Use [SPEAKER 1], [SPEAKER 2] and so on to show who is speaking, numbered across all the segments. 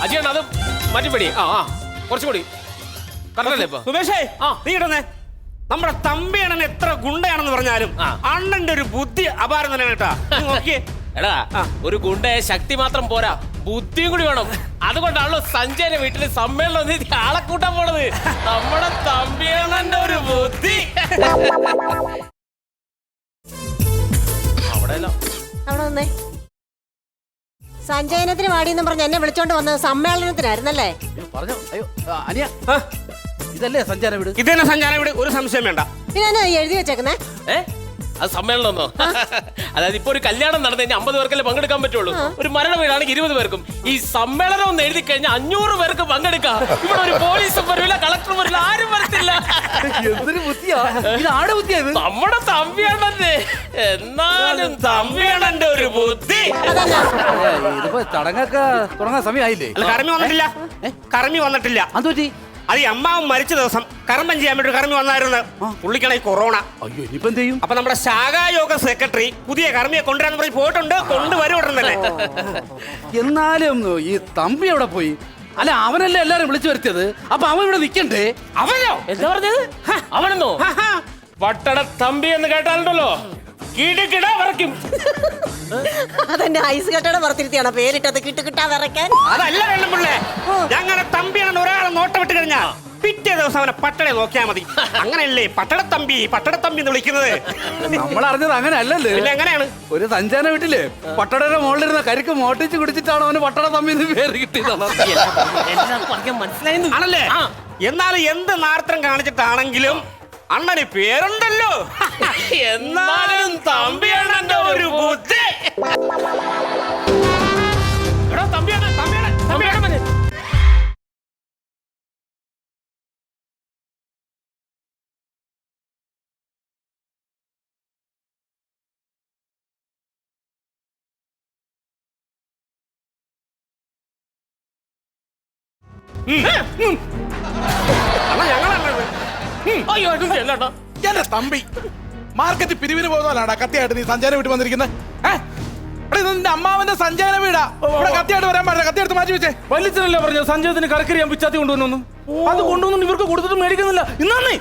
[SPEAKER 1] അജിയാണ് അത് മാറ്റിപ്പടി. കുറച്ചുകൂടി കറക്റ്റല്ലേ ഇപ്പൊ?
[SPEAKER 2] സുമേഷേ നീ ഇടുന്നേ. നമ്മുടെ തമ്പിയണ്ണൻ എത്ര ഗുണ്ടയാണെന്ന് പറഞ്ഞാലും അണ്ണന്റെ ഒരു ബുദ്ധി അപാരം തന്നെയാണ് കേട്ടാ. നോക്കിയേ
[SPEAKER 1] എടാ, ഒരു ഗുണ്ടയെ ശക്തി മാത്രം പോരാ, ബുദ്ധിയും കൂടി വേണം. അതുകൊണ്ടാണല്ലോ സഞ്ജയന്റെ വീട്ടില് സമ്മേളനം ആളെ കൂട്ടാൻ പോണത്. നമ്മുടെ തമ്പിയണ്ണന്റെ ഒരു ബുദ്ധി. അവിടെ
[SPEAKER 3] വന്നേ. സഞ്ജയനത്തിന് വാടിയെന്നും പറഞ്ഞ് എന്നെ വിളിച്ചോണ്ട് വന്നത് സമ്മേളനത്തിനായിരുന്നല്ലേ?
[SPEAKER 4] പറഞ്ഞോ. അയ്യോ അനിയ, ഇതല്ലേ സഞ്ചാര വീട്?
[SPEAKER 2] ഇതന്നെ സഞ്ചാര വീട്, ഒരു സംശയം വേണ്ട.
[SPEAKER 3] പിന്നെ എഴുതി വെച്ചേക്കുന്നേ?
[SPEAKER 1] അത് സമ്മേളനമൊന്നോ? അതായത് ഇപ്പൊ ഒരു കല്യാണം നടന്നു കഴിഞ്ഞാൽ 50 പേർക്കല്ലേ പങ്കെടുക്കാൻ പറ്റുള്ളൂ. ഒരു മരണ വീടാണെങ്കിൽ 20 പേർക്കും. ഈ സമ്മേളനം ഒന്ന് എഴുതി കഴിഞ്ഞാൽ 500 പേർക്ക് പങ്കെടുക്കാം. ഇവിടെ ഒരു പോലീസും വരില്ല, കളക്ടറും വരില്ല, ആരും വരത്തില്ല.
[SPEAKER 4] എന്തൊരു ബുദ്ധിയാ ഇത്! ആടെ ബുദ്ധിയാ ഇത്.
[SPEAKER 1] നമ്മുടെ തമ്പിയണ്ണന്റെ, എന്നാലും തമ്പിയണ്ണന്റെ ഒരു ബുദ്ധി.
[SPEAKER 4] ഇതിപ്പോ ചടങ്ങൊക്കെ തുടങ്ങാൻ സമയമായില്ലേ?
[SPEAKER 2] അല്ല, കർമ്മി വന്നിട്ടില്ല. കർമ്മി വന്നിട്ടില്ല.
[SPEAKER 4] അതുപറ്റി
[SPEAKER 2] അത് ഈ അമ്മാവൻ മരിച്ച ദിവസം കർമ്മം ചെയ്യാൻ വേണ്ടി കർമ്മി വന്നായിരുന്നു. പുള്ളിക്കാണ് ഈ കൊറോണ.
[SPEAKER 4] അയ്യോ, ഇനിയിപ്പോ എന്ത് ചെയ്യും?
[SPEAKER 2] അപ്പൊ നമ്മുടെ ശാഖായോഗ സെക്രട്ടറി പുതിയ കർമ്മിയെ കൊണ്ടുവരാന്ന് പറഞ്ഞ് പോയിട്ടുണ്ട്. കൊണ്ടുവരും ഉടൻ തന്നെ.
[SPEAKER 4] എന്നാലും ഈ തമ്പി എവിടെ പോയി? അല്ല, അവനല്ലേ എല്ലാരും വിളിച്ചു വരുത്തിയത്. അപ്പൊ അവൻ ഇവിടെ നിക്കണ്ടേ?
[SPEAKER 2] അവനോ?
[SPEAKER 1] എന്താ പറഞ്ഞത്? അവനെന്നോ? പട്ടണ തമ്പി എന്ന് കേട്ടാലുണ്ടല്ലോ കിടുകിട വരയ്ക്കും.
[SPEAKER 3] അതെന്നെ ഐസ് കെട്ടയുടെ പുറത്തിരുത്തിയാണ് പേരിട്ടത്, കിട്ടുകിട്ടാ വിറയ്ക്കാൻ.
[SPEAKER 2] അതല്ല വെള്ളമുള്ളേ, ഞങ്ങളുടെ തമ്പിയാണ് ഒരാളെ നോട്ടം വിട്ട് കഴിഞ്ഞാ പിറ്റേ ദിവസം അവനെ പട്ടണയെ നോക്കിയാൽ മതി. അങ്ങനെയല്ലേ പട്ടണത്തമ്പി എന്ന് വിളിക്കുന്നത്?
[SPEAKER 4] നമ്മൾ അറിഞ്ഞത് അങ്ങനെ അല്ലല്ലേ.
[SPEAKER 2] പിന്നെ എങ്ങനെയാണ്?
[SPEAKER 4] ഒരു സഞ്ചാര വീട്ടില് പട്ടടയുടെ മുകളിലിരുന്ന കരിക്ക് മോട്ടിച്ച് കുടിച്ചിട്ടാണ് അവന് പട്ടണ തമ്പി എന്ന് പേര് കിട്ടിയത്.
[SPEAKER 1] മനസ്സിലായിരുന്നു
[SPEAKER 2] ആണല്ലേ? എന്നാലും എന്ത് നാർത്തം കാണിച്ചിട്ടാണെങ്കിലും അണ്ണന് പേരുണ്ടല്ലോ. എന്നാലും തമ്പിയണ്ണന്റെ ഒരു ബുദ്ധി.
[SPEAKER 5] എന്റെ തമ്പി മാർക്കറ്റ് പിരിവിന് പോകുന്നതല്ലാടാ കത്തിയായിട്ട് നീ സഞ്ചാര വീട്ടിൽ വന്നിരിക്കുന്നത്? നിന്റെ അമ്മാവന്റെ സഞ്ചാര വീടാ. ഇവിടെ കത്തിയായിട്ട് വരാൻ പാടില്ല. കത്തിയെടുത്ത് മാറ്റി വെച്ചേ.
[SPEAKER 6] വലിച്ചനല്ലേ പറഞ്ഞു സഞ്ജയത്തിന് കറക്കരി ഞാൻ പിച്ചാത്തി കൊണ്ടുവന്നു. അത് കൊണ്ടുവന്നു ഇവർക്ക് കൊടുത്തിട്ട് മേടിക്കുന്നില്ല. ഇന്നേ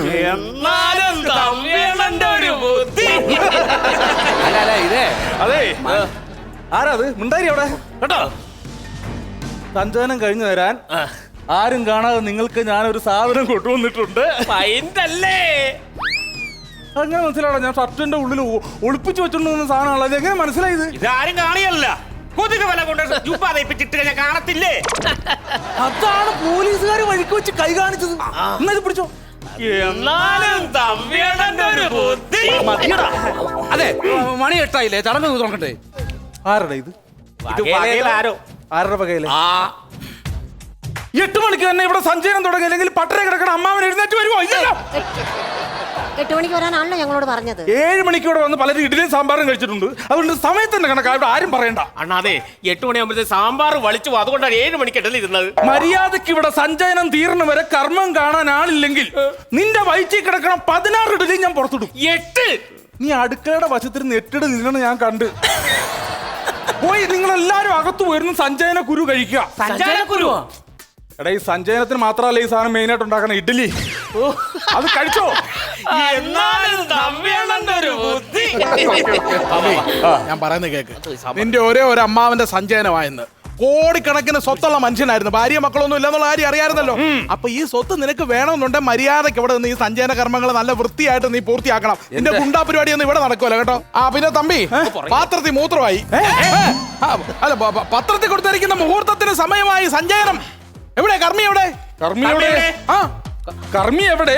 [SPEAKER 6] അതെ, ആരാത് മിണ്ടായി അവിടെ കേട്ടോ. സഞ്ചയനം കഴിഞ്ഞു തരാൻ ആരും കാണാതെ നിങ്ങൾക്ക് ഞാനൊരു സാധനം കൊണ്ടുവന്നിട്ടുണ്ട്. അങ്ങനെ മനസ്സിലാണോ? ഞാൻ ഷർട്ടിന്റെ ഉള്ളിൽ ഒളിപ്പിച്ചു വെച്ചോണ്ട് സാധനമാണല്ലോ. അത് എങ്ങനെ മനസ്സിലായത്?
[SPEAKER 2] ഇതാരും കാണിയല്ല. കൊതുക് വില കൊണ്ട് ജുബാദയിപ്പിച്ചിട്ട് കഴിഞ്ഞാൽ കാണത്തില്ലേ?
[SPEAKER 6] അതാണ് പോലീസുകാർ വഴിക്ക് വെച്ച് കൈ കാണിച്ചത്. എന്നാ ഇത് പിടിച്ചോ.
[SPEAKER 4] അതെ, മണി 8 ചടങ്ങ് നോക്കട്ടെ.
[SPEAKER 6] ആരുടെ ഇത്?
[SPEAKER 2] ആരോ
[SPEAKER 6] ആരുടെ വകയില്? 8 മണിക്ക് തന്നെ ഇവിടെ സഞ്ചയനം തുടങ്ങി. അല്ലെങ്കിൽ പട്ടര കിടക്കണ അമ്മാവൻ എഴുന്നേറ്റ് വരുമോ? ഇല്ലല്ലോ.
[SPEAKER 3] 8 മണിക്ക് വരാനാണല്ലോ ഞങ്ങളോട് പറഞ്ഞത്.
[SPEAKER 6] 7 മണിക്കൂടെ വന്ന് പലരും ഇഡ്ഡലിയും സാമ്പാറും കഴിച്ചിട്ടുണ്ട്. അതുകൊണ്ട് സമയത്തിന്റെ കണക്കാ ഇവിടെ ആരും പറയണ്ട.
[SPEAKER 1] അണ്ണാ അതെ, 8 മണിയാകുമ്പോഴത്തെ സാമ്പാർ വലിച്ചു. അതുകൊണ്ടാണ് 7 മണിക്ക് ഇടയിൽ ഇരുന്നത്.
[SPEAKER 6] മര്യാദക്ക് ഇവിടെ സഞ്ചയനം തീർന്നു വരെ കർമ്മം കാണാൻ ആളില്ലെങ്കിൽ നിന്റെ വയറ്റിൽ കിടക്കണം 16 ഇഡലി ഞാൻ പുറത്തിടും.
[SPEAKER 1] 8
[SPEAKER 6] നീ അടുക്കളയുടെ വശത്തിരുന്ന് 8 ഇഡലി തിന്നണം ഞാൻ കണ്ട്. പോയി നിങ്ങളെല്ലാരും അകത്തു പോയിരുന്നു സഞ്ചയന കുരു കഴിക്കുക.
[SPEAKER 1] സഞ്ചയനക്കുരുവോ?
[SPEAKER 6] എടാ, ഈ സഞ്ചയനത്തിന് മാത്രമല്ല ഈ സാധനം മെയിൻ ആയിട്ട് ഉണ്ടാക്കണ ഇഡ്ഡലി. അത് കഴിച്ചോ.
[SPEAKER 5] ഞാൻ പറയുന്നത് കേക്ക്. നിന്റെ ഒരേ ഒരു അമ്മാവന്റെ സഞ്ചയനമായെന്ന്. കോടിക്കണക്കിന് സ്വത്തുള്ള മനുഷ്യനായിരുന്നു. ഭാര്യ മക്കളൊന്നും ഇല്ലെന്നുള്ള കാര്യം അറിയാമായിരുന്നല്ലോ. അപ്പൊ ഈ സ്വത്ത് നിനക്ക് വേണമെന്നുണ്ടെങ്കിൽ മര്യാദയ്ക്ക് ഇവിടെ നിന്ന് ഈ സഞ്ചയന കർമ്മങ്ങൾ നല്ല വൃത്തിയായിട്ട് നീ പൂർത്തിയാക്കണം. നിന്റെ ഗുണ്ടാ പരിപാടിയൊന്നും ഇവിടെ നടക്കുമല്ലോ കേട്ടോ. പിന്നെ തമ്പി, പാത്രത്തിൽ മൂത്രമായി. അല്ല, പത്രത്തിൽ കൊടുത്തിരിക്കുന്ന മുഹൂർത്തത്തിന് സമയമായി. സഞ്ചയനം എവിടെ? കർമ്മി എവിടെ?
[SPEAKER 6] കർമ്മി എവിടെ? കർമ്മി എവിടെ?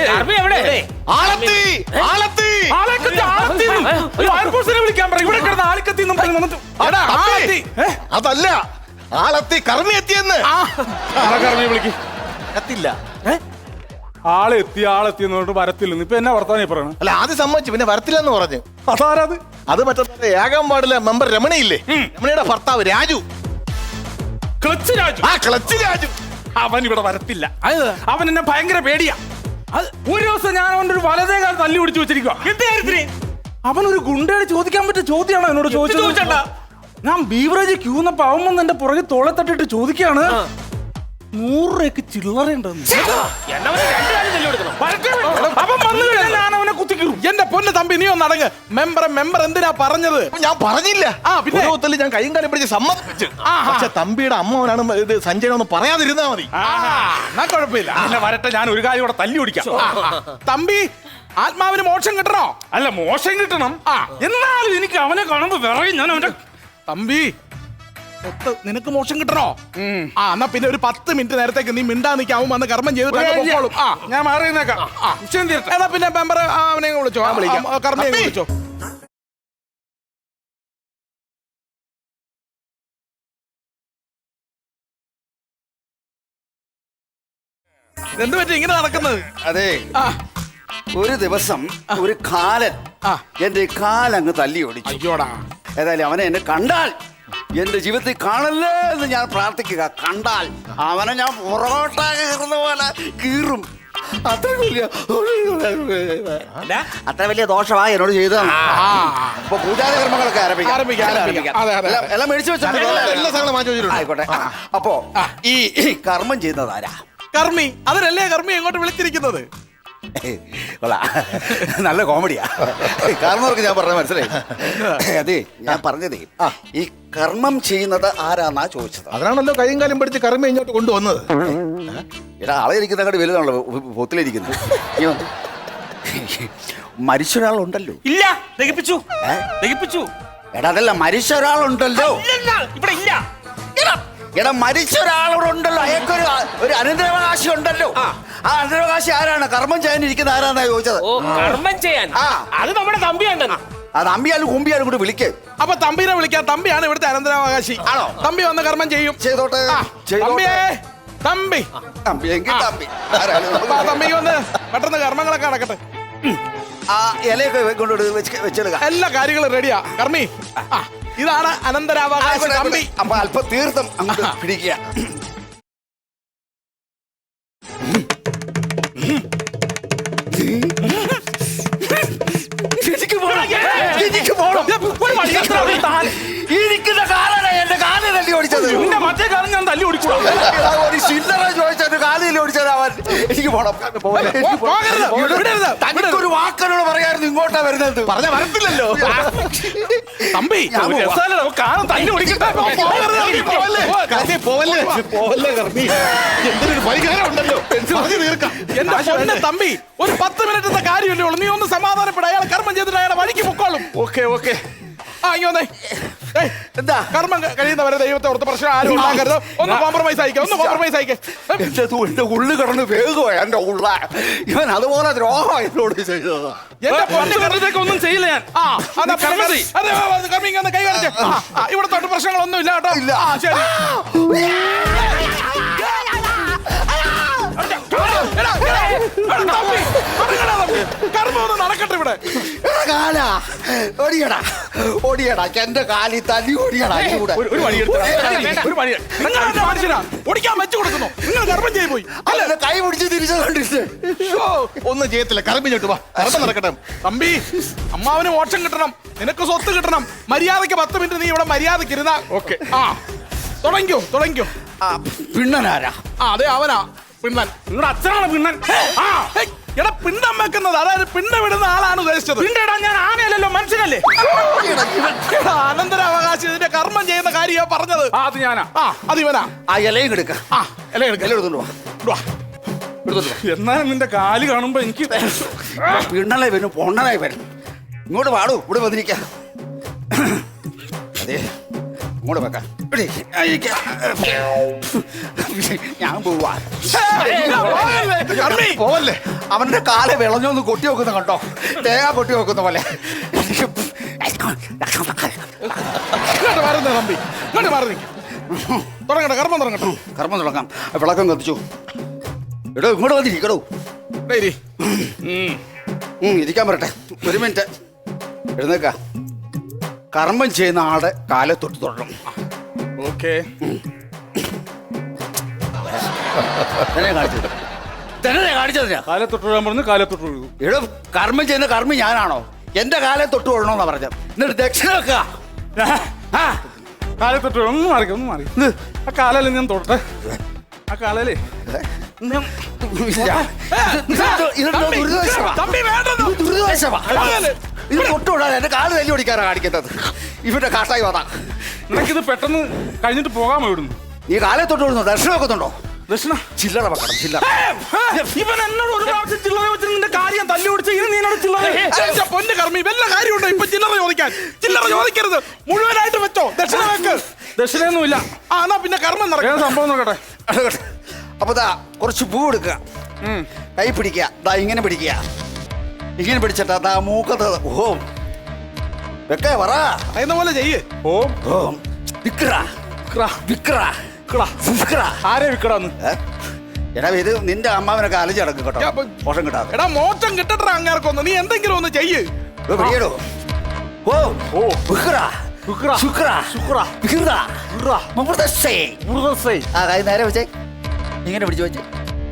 [SPEAKER 6] വിളിക്കാൻ പറയും. ഇവിടെ കിടന്ന് ആളിക്കത്തി.
[SPEAKER 7] അതല്ല, ആളെത്തി, കർമ്മി എത്തിയെന്ന്.
[SPEAKER 6] കർമ്മി വിളിക്ക്. എത്തില്ല. ആളെത്തി എന്ന് പറഞ്ഞിട്ട് വരത്തില്ലെന്ന്. ഇപ്പൊ എന്നാ വർത്താനം പറയണം?
[SPEAKER 7] അല്ല, ആദ്യം സമ്മതിച്ചു, പിന്നെ വരത്തില്ലെന്ന് പറഞ്ഞു.
[SPEAKER 6] അതാരത്?
[SPEAKER 7] അത് മറ്റേ ഏകാം വാർഡിലെ മെമ്പർ രമണിയില്ലേ, രമണിയുടെ ഭർത്താവ് രാജു. ക്ലച്ച് രാജു.
[SPEAKER 6] അവൻ ഇവിടെ വരത്തില്ല. അവൻ എന്നെ ഭയങ്കര പേടിയാ. ഒരു ദിവസം ഞാൻ അവന്റെ ഒരു വലതേ കാലം തല്ലി പിടിച്ചു വെച്ചിരിക്കുക. അവൻ ഒരു ഗുണ്ടയോട് ചോദിക്കാൻ പറ്റിയ ചോദ്യമാണോ എന്നോട് ചോദിച്ചത്? ഞാൻ ബീവറേജ് ക്യൂന്നപ്പോ അവൻ വന്ന് എന്റെ പുറകെ തോളെ തട്ടിട്ട് ചോദിക്കാണ് 100 രൂപയ്ക്ക് ചില്ലറയുണ്ടെന്ന്.
[SPEAKER 1] എന്നാ അവന് രണ്ട് കാര്യം തല്ലി കൊടുക്കണം.
[SPEAKER 6] അവൻ വന്നു കഴിഞ്ഞാൽ ഞാൻ അവനെ കുത്തിക്കീറും.
[SPEAKER 5] എന്റെ പൊന്ന് തമ്പി നീ ഒന്ന് അടങ്ങ്. മെമ്പർ എന്തിനാ പറഞ്ഞത്?
[SPEAKER 7] ഞാൻ പറഞ്ഞില്ല.
[SPEAKER 5] പിന്നെ?
[SPEAKER 7] ഒരു ഒത്തല് ഞാൻ കൈയും കാലം പിടിച്ച് സമ്മതിപ്പിച്ചു. പക്ഷെ തമ്പിയുടെ അമ്മവനാണ് ഇത് സഞ്ജയനൊന്ന് പറയാതിരുന്നാ മതി.
[SPEAKER 5] എന്നാ കുഴപ്പമില്ല.
[SPEAKER 6] അല്ല വരട്ടെ, ഞാൻ ഒരു കാര്യം കൂടെ തല്ലി ഓടിക്കാം.
[SPEAKER 5] തമ്പി ആത്മാവിന് മോക്ഷം കിട്ടണോ?
[SPEAKER 6] അല്ല മോശം കിട്ടണം, എന്നാലും എനിക്ക് അവനെ കാണുമ്പോ വിറയും. ഞാൻ അവന്റെ
[SPEAKER 5] തമ്പി സ്വത്ത് നിനക്ക് മോക്ഷം കിട്ടണോ? എന്നാ പിന്നെ ഒരു 10 മിനിറ്റ് നേരത്തേക്ക് നീ മിണ്ടാ നിൽക്കാവും വന്ന് കർമ്മം ചെയ്തിട്ട്
[SPEAKER 6] ഞാൻ മാറി നിന്നേക്കാം. വിഷയം തീരട്ടെ.
[SPEAKER 5] എന്നാ പിന്നെ മെമ്പർ അവനെ വിളിച്ചോ, കർമ്മയെ വിളിച്ചോ. എന്ത് പറ്റി ഇങ്ങനെ നടക്കുന്നത്?
[SPEAKER 8] അതെ,
[SPEAKER 5] ആ,
[SPEAKER 8] ഒരു ദിവസം ഒരു കാലൻ എന്റെ കാലങ്ങ് തല്ലി ഓടിച്ചു.
[SPEAKER 5] അയ്യോടാ.
[SPEAKER 8] ഏതായാലും അവനെ എന്നെ കണ്ടാൽ എന്റെ ജീവിതത്തിൽ കാണല്ലേ എന്ന് ഞാൻ പ്രാർത്ഥിക്കുക. കണ്ടാൽ അവനെ ഞാൻ പൊറോട്ട കീറുന്ന പോലെ കീറും. അത്ര വലിയ ദോഷമായി എന്നോട് ചെയ്തതാണ്. അപ്പൊ പൂജാതി കർമ്മങ്ങളൊക്കെ
[SPEAKER 5] ആരംഭിക്കാം. അതെ, അതെ.
[SPEAKER 8] എല്ലാം മേടിച്ചു വെച്ചോ.
[SPEAKER 7] എല്ലാ സാധനങ്ങളും മാറ്റി വെച്ചിട്ടുണ്ട്.
[SPEAKER 8] ആയിക്കോട്ടെ. അപ്പോ ഈ കർമ്മം ചെയ്യുന്നത് ആരാ?
[SPEAKER 5] കർമ്മി. അതിനല്ലേ കർമ്മി എങ്ങോട്ട് വിളിച്ചിരിക്കുന്നത്?
[SPEAKER 8] നല്ല കോമഡിയാ. കർമ്മർക്ക് ഞാൻ പറഞ്ഞ മനസ്സിലായി. അതെ, ഞാൻ പറഞ്ഞതേ ഈ കർമ്മം ചെയ്യുന്നത് ആരാന്നാ ചോദിച്ചത്.
[SPEAKER 7] അതിനാണല്ലോ കൈയും കാലം പിടിച്ച് കർമ്മ ഇങ്ങോട്ട് കൊണ്ടുവന്നത്.
[SPEAKER 8] എടാ, ആളെ ഇരിക്കുന്ന അങ്ങോട്ട് വലുതാണല്ലോ പൊത്തിലിരിക്കുന്നത്. മരിച്ച ഒരാളുണ്ടല്ലോ.
[SPEAKER 2] ഇല്ല, ദഹിപ്പിച്ചു. ദഹിപ്പിച്ചു.
[SPEAKER 8] എടാ അതല്ല, മരിച്ച ഒരാളുണ്ടല്ലോ.
[SPEAKER 2] ഇല്ല, ഇവിടെ ഇല്ല.
[SPEAKER 8] എടാ മരിച്ച ഒരാളോടുണ്ടല്ലോ, അയാൾക്കൊരു ഒരു അനന്തരാവകാശി ഉണ്ടല്ലോ. ആ അനന്തരാവകാശി ആരാണ്? കർമ്മം ചെയ്യാനിരിക്കുന്ന ആരാന്നാ ചോദിച്ചത്.
[SPEAKER 1] ഓ, കർമ്മം ചെയ്യാൻ. അത് നമ്മുടെ തമ്പിയുണ്ടെന്ന്.
[SPEAKER 8] അത് അമ്പിയാലും കുമ്പിയാലും കൂടി വിളിക്കേ.
[SPEAKER 5] അപ്പൊ തമ്പിനെ വിളിക്കാം. തമ്പിയാണ് ഇവിടുത്തെ അനന്തരാവകാശി.
[SPEAKER 8] ആണോ?
[SPEAKER 5] തമ്പി വന്ന് കർമ്മം ചെയ്യും.
[SPEAKER 8] ചെയ്തോട്ടെ.
[SPEAKER 5] തമ്പിയേ, തമ്പി
[SPEAKER 8] തമ്പി എങ്കിൽ തമ്പി ആരാലും
[SPEAKER 5] അപ്പൊ ആ തമ്പിക്ക് വന്ന് പെട്ടെന്ന് കർമ്മങ്ങളൊക്കെ നടക്കട്ടെ.
[SPEAKER 8] ആ ഇലയൊക്കെ കൊണ്ടുപോയി വെച്ചെടുക്ക.
[SPEAKER 5] എല്ലാ കാര്യങ്ങളും റെഡിയാ. കർമ്മി, ഇതാണ് അനന്തരാവകാശി തമ്പി.
[SPEAKER 8] അപ്പൊ അല്പം തീർത്ഥം അങ്ങോട്ട് പിടിക്കുക. ഇരിക്കുന്ന കാലാണ് എന്റെ കാല് തല്ലി ഓടിച്ചത്.
[SPEAKER 6] മറ്റേ കാലം ഞാൻ തല്ലി ഓടിക്കൂടാ.
[SPEAKER 8] ഒരു ചില്ലറ ചോദിച്ചു കാല് തല്ലി ഓടിച്ചത് അവൻ. എനിക്ക് പോണം. തനിക്കൊരു വാക്കനോട് പറയായിരുന്നു ഇങ്ങോട്ടാ വരുന്നത്.
[SPEAKER 7] പറഞ്ഞ വരത്തില്ലല്ലോ.
[SPEAKER 5] തമ്പി
[SPEAKER 6] കാലം തല്ലി ഓടിക്കട്ടെ.
[SPEAKER 7] പോവല്ലേ കർമ്മി, എന്തൊരു പരിഹാരം ഉണ്ടല്ലോ. പറഞ്ഞു തീർക്കാം.
[SPEAKER 5] എന്റെ പൊന്നെ തമ്പി, ഒരു 10 മിനിറ്റത്തെ കാര്യമല്ലേ ഉള്ളൂ. നീ ഒന്ന് സമാധാനപ്പെടാ. അയാൾ കർമ്മം ചെയ്തിട്ട് അയാളെ വഴിക്ക് പൊക്കോളും.
[SPEAKER 6] ഓക്കെ.
[SPEAKER 5] ഇങ്ങ വന്നേ.
[SPEAKER 8] എന്താ
[SPEAKER 5] കർമ്മം കഴിയുന്നവരെ ദൈവത്തെ ഓർത്ത് പ്രശ്നം ആരും ഉണ്ടാക്കരുത്. ഒന്ന് കോംപ്രമൈസ് ആയിക്കോ.
[SPEAKER 8] എന്റെ ഉള്ളു കിടന്ന് വേഗോ എന്റെ ഉള്ള. ഇവൻ അതുപോലെ ദ്രോഹം എന്നോട് ചെയ്തത്.
[SPEAKER 5] എന്റെ പൊന്നെ
[SPEAKER 6] കർമ്മത്തേക്ക് ഒന്നും ചെയ്യില്ല ഞാൻ.
[SPEAKER 5] കർമ്മിങ് കൈ കാണിച്ചേ. ഇവിടെ തൊട്ട് പ്രശ്നങ്ങളൊന്നും ഇല്ല കേട്ടോ.
[SPEAKER 8] ഇല്ല.
[SPEAKER 5] ശരി. കർമ്മം ഒന്ന് നടക്കട്ടെ ഇവിടെ.
[SPEAKER 8] കാലാ ഓടിയടാ ഓടിയടാ എന്റെ കാലി തല്ലി ഓടിയടാ.
[SPEAKER 6] ഒരു വഴി
[SPEAKER 5] മനുഷ്യനാ ഓടിക്കാൻ വെച്ചു കൊടുക്കുന്നു. നിങ്ങൾ കർമ്മം ചെയ്തു പോയി.
[SPEAKER 8] അല്ല കൈ പിടിച്ച് തിരിച്ചു കണ്ടിട്ട്
[SPEAKER 7] ഒന്നും ചെയ്യത്തില്ല. കർമ്മി ചോട്ട് വാ, കർമ്മം നടക്കട്ടെ.
[SPEAKER 5] തമ്പി, അമ്മാവന് മോക്ഷം കിട്ടണം, നിനക്ക് സ്വത്ത് കിട്ടണം. മര്യാദക്ക് 10 മിനിറ്റ് നീ ഇവിടെ മര്യാദക്ക് ഇരുന്നാ ഓക്കെ. തുടങ്ങിക്കോ.
[SPEAKER 8] പിണ്ണനാരാ?
[SPEAKER 5] അതെ അവനാ പിണ്ണൻ.
[SPEAKER 6] നിങ്ങളുടെ അച്ഛനാണ് പിണ്ണൻ.
[SPEAKER 5] എടാ പിണ്ഡം വെക്കുന്നത്, അതായത് പിണ്ഡം വിടുന്ന ആളാണ് ഉദ്ദേശിച്ചത്.
[SPEAKER 6] പിണ്ടടാ, ഞാൻ ആനയല്ലല്ലോ, മനുഷ്യനല്ലേ.
[SPEAKER 5] അനന്തരാവകാശി ഇതിന്റെ കർമ്മം ചെയ്യുന്ന കാര്യമാ പറഞ്ഞത്.
[SPEAKER 6] അത് ഞാനാ.
[SPEAKER 5] അത് ഇവനാ.
[SPEAKER 8] ആ ഇലയും എടുക്ക.
[SPEAKER 5] ഇല
[SPEAKER 8] എടുത്തോണ്ട് വാ.
[SPEAKER 6] എന്നാലും നിന്റെ കാല് കാണുമ്പോ എനിക്ക്
[SPEAKER 8] പിണ്ണനായി വരും, പൊണ്ണനായി വരും. ഇങ്ങോട്ട് പാടൂ, ഇവിടെ വന്നിരിക്ക. അതെ, ഇങ്ങോട്ട് വെക്കാം. ഞാൻ പോവാ.
[SPEAKER 7] പോവല്ലേ.
[SPEAKER 8] അവന്റെ കാല് വിളഞ്ഞൊന്ന് കൊട്ടി വെക്കുന്ന കണ്ടോ, തേങ്ങ കൊട്ടി വെക്കുന്ന പോലെ.
[SPEAKER 5] തമ്പി തുടങ്ങട്ടെ, കർമ്മം തുടങ്ങട്ടെ.
[SPEAKER 8] കർമ്മം തുടങ്ങാം. വിളക്കം കത്തിച്ചു. എടോ ഇങ്ങോട്ട് വന്നിരിക്കടോ. ഇരിക്കാൻ പറട്ടെ. 1 മിനിറ്റ് എഴുന്നേക്ക. കർമ്മം ചെയ്യുന്ന ആളുടെ കാലെ തൊട്ട് തൊടണം.
[SPEAKER 5] ഓക്കെ.
[SPEAKER 8] കാണിച്ചത്
[SPEAKER 6] കാലെ തൊട്ട് വീഴാൻ പറഞ്ഞു. കാലെ തൊട്ട് വീഴും.
[SPEAKER 8] എടോ കർമ്മം ചെയ്യുന്ന കർമ്മി ഞാനാണോ? എന്റെ കാലെ തൊട്ട് കൊള്ളണമെന്നാ പറഞ്ഞത്. എന്നിട്ട് ദക്ഷിണ വെക്കുക.
[SPEAKER 6] കാലേ തൊട്ട് ഒന്ന് മാറി ആ കാലല്ലേ ഞാൻ തൊട്ടെ ആ കാലല്ലേ ഞാൻ
[SPEAKER 5] തമ്പി വേണ്ടത്
[SPEAKER 8] ഇത് തൊട്ടുകൂടാതെ എന്റെ കാല് തല്ലി ഓടിക്കാറാ കാണിക്കുന്നത് ഇവരുടെ കാട്ടായി വതാ.
[SPEAKER 6] നിനക്കിത് പെട്ടെന്ന് കഴിഞ്ഞിട്ട് പോകാമോ ഇവിടുന്ന്?
[SPEAKER 8] നീ കാലേ തൊട്ട് വിടുന്നു ദർശനം വെക്കുന്നുണ്ടോ?
[SPEAKER 6] ദക്ഷിണ
[SPEAKER 8] ചില്ലറ വെക്കണം ചില്ലറ.
[SPEAKER 6] ഇവൻ എന്നോട് ഒരു പ്രാവശ്യം ചില്ലറ വെച്ച് നിന്റെ കാര്യം തല്ലി ഓടിച്ച ഇനി നീനോട് ചില്ലറ
[SPEAKER 5] എന്റെ പൊന്ന് കർമ്മി വല്ല കാര്യമുണ്ടോ ഇപ്പൊ ചില്ലറ ചോദിക്കാൻ? ചില്ലറ ചോദിക്കരുത്, മുഴുവനായിട്ട് വെച്ചോ, ദക്ഷിണ വെക്ക്.
[SPEAKER 6] ദക്ഷിണയൊന്നുമില്ല.
[SPEAKER 5] ആ എന്നാ പിന്നെ കർമ്മം
[SPEAKER 6] ഏതാ
[SPEAKER 5] നടക്കും.
[SPEAKER 6] സംഭവം നോക്കട്ടെ.
[SPEAKER 8] അപ്പൊ ദാ കുറച്ച് പൂ എടുക്കുക, കൈ പിടിക്കുക, ദാ ഇങ്ങനെ പിടിക്കുക, ഇങ്ങനെ പിടിച്ചിട്ടാ ദാ മൂക്കത്ത് ഓം വെക്കേ പറ
[SPEAKER 5] പറയുന്ന പോലെ ചെയ്യ്.
[SPEAKER 8] ഓം ഓം വിക്ര വിക്ര വിക്ര.
[SPEAKER 6] ആരെ വിക്കടാന്ന്?
[SPEAKER 8] എടാ ഇത് നിന്റെ അമ്മാവനൊക്കെ അലഞ്ഞ് കിടക്കും കേട്ടോ, മോശം കിട്ടാതെ.
[SPEAKER 5] എടാ മോശം കിട്ടട്ടെ അങ്ങേർക്കൊന്ന്, നീ എന്തെങ്കിലും ഒന്ന് ചെയ്യ്.
[SPEAKER 8] ഇത് പിടിയെടോ. ഓം ഓ വിക്ര
[SPEAKER 6] വിക്ര
[SPEAKER 8] ശുക്ര
[SPEAKER 6] ശുക്ര
[SPEAKER 8] വിക്ര
[SPEAKER 6] വിക്ര
[SPEAKER 8] മുഹൂർത്തസ്സേ.
[SPEAKER 6] മുറുകസൈ.
[SPEAKER 8] ആ കൈ നേരെ വെച്ചേ, ഇങ്ങനെ പിടിച്ചു വെച്ചേ.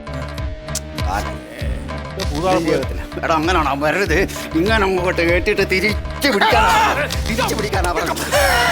[SPEAKER 8] എടാ അങ്ങനാണോ വരരുത്, ഇങ്ങനെ അങ്ങോട്ട് കേട്ടിട്ട് തിരിച്ചു പിടിക്കാനാ പറഞ്ഞത്.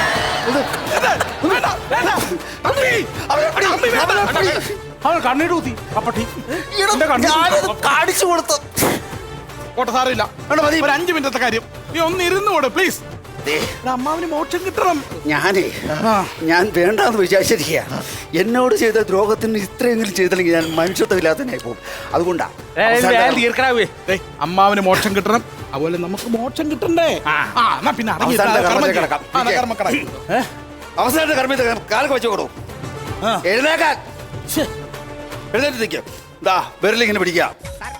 [SPEAKER 6] അവൻ കണ്ണീട് കുത്തി അപ്പട്ടി.
[SPEAKER 8] കാണിച്ചു കൊടുത്തു.
[SPEAKER 5] പോട്ടെ സാറില്ല,
[SPEAKER 8] എടാ മതി.
[SPEAKER 5] ഒരു 5 മിനിറ്റത്തെ കാര്യം, നീ ഒന്ന് ഇരുന്നോട് പ്ലീസ്. അമ്മാവിന് മോക്ഷം കിട്ടണം.
[SPEAKER 8] ഞാൻ വേണ്ടാന്ന് വിചാരിച്ചിരിക്കുക. എന്നോട് ചെയ്ത ദ്രോഹത്തിന് ഇത്രയെങ്കിലും ചെയ്തില്ലെങ്കിൽ ഞാൻ മനുഷ്യത്വമില്ലാത്തതിനായി പോകും. അതുകൊണ്ടാ
[SPEAKER 6] തീർക്കണാവേ.
[SPEAKER 5] ഏയ്, അമ്മാവിന് മോക്ഷം കിട്ടണം, അതുപോലെ നമുക്ക് മോക്ഷം കിട്ടണ്ടേ? ആ എന്നാ പിന്നെ അടങ്ങി ഇരുന്നാ
[SPEAKER 8] അവസാനത്തെ
[SPEAKER 5] കർമ്മം
[SPEAKER 8] കർമ്മത്തിൽ
[SPEAKER 5] ചെയ്യാം.
[SPEAKER 8] കിടക്കാം.
[SPEAKER 5] ആ, എന്നാ കർമ്മം കിടക്കാം.
[SPEAKER 8] അവസാനത്തെ കർമ്മത്തിൽ കാലൊക്കെ വെച്ചു കൊടുക്കും. എഴുന്നേക്കാൻ എഴുന്നേറ്റ് നിൽക്കാം. ദാ വിരലിങ്ങനെ പിടിക്കാം.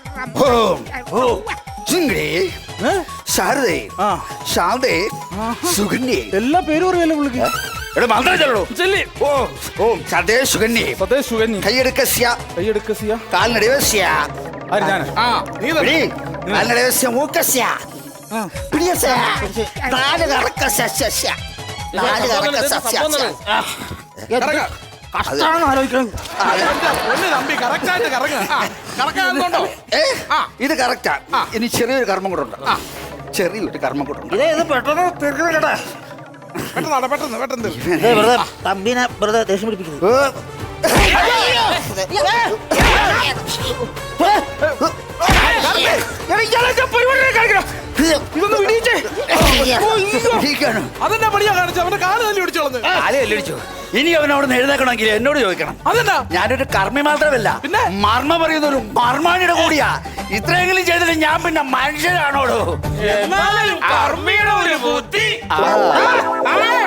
[SPEAKER 8] ചിങ്കിടി ശാരദേ ശാന്തേ സുഗന്യേ.
[SPEAKER 6] എല്ലാ പേരും അറിയാലോ പുള്ളിക്ക്.
[SPEAKER 8] എടാ മന്ത്രം ചൊല്ലടോ.
[SPEAKER 6] ചെല്ലി.
[SPEAKER 8] ഓം ഓം സദേ സുഗന്യേ
[SPEAKER 6] സതേ സുഗന്യ.
[SPEAKER 8] കൈയെടുക്കസ്യ
[SPEAKER 6] കൈയെടുക്കസിയ.
[SPEAKER 8] കാൽനടവസ്യ
[SPEAKER 6] ആര് ഞാൻ?
[SPEAKER 5] ആ നീ തന്നെ.
[SPEAKER 8] പിടി കാൽനടവസ്യ മൂക്കസ്യ പിടിയസ്യ നാല് കറക്കസ്യ നാല് കറക്കസ്യ.
[SPEAKER 5] കറങ്ങ്.
[SPEAKER 6] കഷ്ടാണ് ആലോചിക്കണം.
[SPEAKER 5] ഒന്ന് തമ്പി കറക്റ്റായിട്ട് കറങ്ങ്. കറക്കാന്നുണ്ടോ?
[SPEAKER 8] ഇത് കറക്റ്റാ. ഇനി ചെറിയൊരു കർമ്മം കൂടെ ഉണ്ട്. ചെറിയൊരു കർമ്മം കൂടെ ഉണ്ട്.
[SPEAKER 6] ഇത് പെട്ടെന്ന് തീർക്കണം കേട്ടാ.
[SPEAKER 5] പെട്ടെന്ന് പെട്ടെന്ന് പെട്ടെന്ന്.
[SPEAKER 3] തമ്പിനെ വെറുതെ ദേഷ്യം പിടിപ്പിക്കുന്നത്.
[SPEAKER 8] ഇതൊന്ന് വിടിയിച്ചേ. വിടിയിക്കാനോ?
[SPEAKER 5] അതെന്നാ പണിയാ കാണിച്ചു, അവന്റെ കാല് തല്ലി പിടിച്ചോളന്ന്.
[SPEAKER 8] കാലടിച്ചു. ഇനി അവൻ അവിടെ നിന്ന് എഴുന്നേക്കണമെങ്കിൽ എന്നോട് ചോദിക്കണം.
[SPEAKER 5] അതെന്നാ?
[SPEAKER 8] ഞാനൊരു കർമ്മി മാത്രമല്ല,
[SPEAKER 5] പിന്നെ?
[SPEAKER 8] മർമ്മ പറയുന്ന ഒരു മർമാണിയുടെ കൂടിയാ. ഇത്രയെങ്കിലും ചെയ്തിട്ട് ഞാൻ പിന്നെ മനുഷ്യരാണോടോ?
[SPEAKER 1] എന്നാലും കർമ്മിയുടെ ഒരു ബുദ്ധി.
[SPEAKER 8] ആ.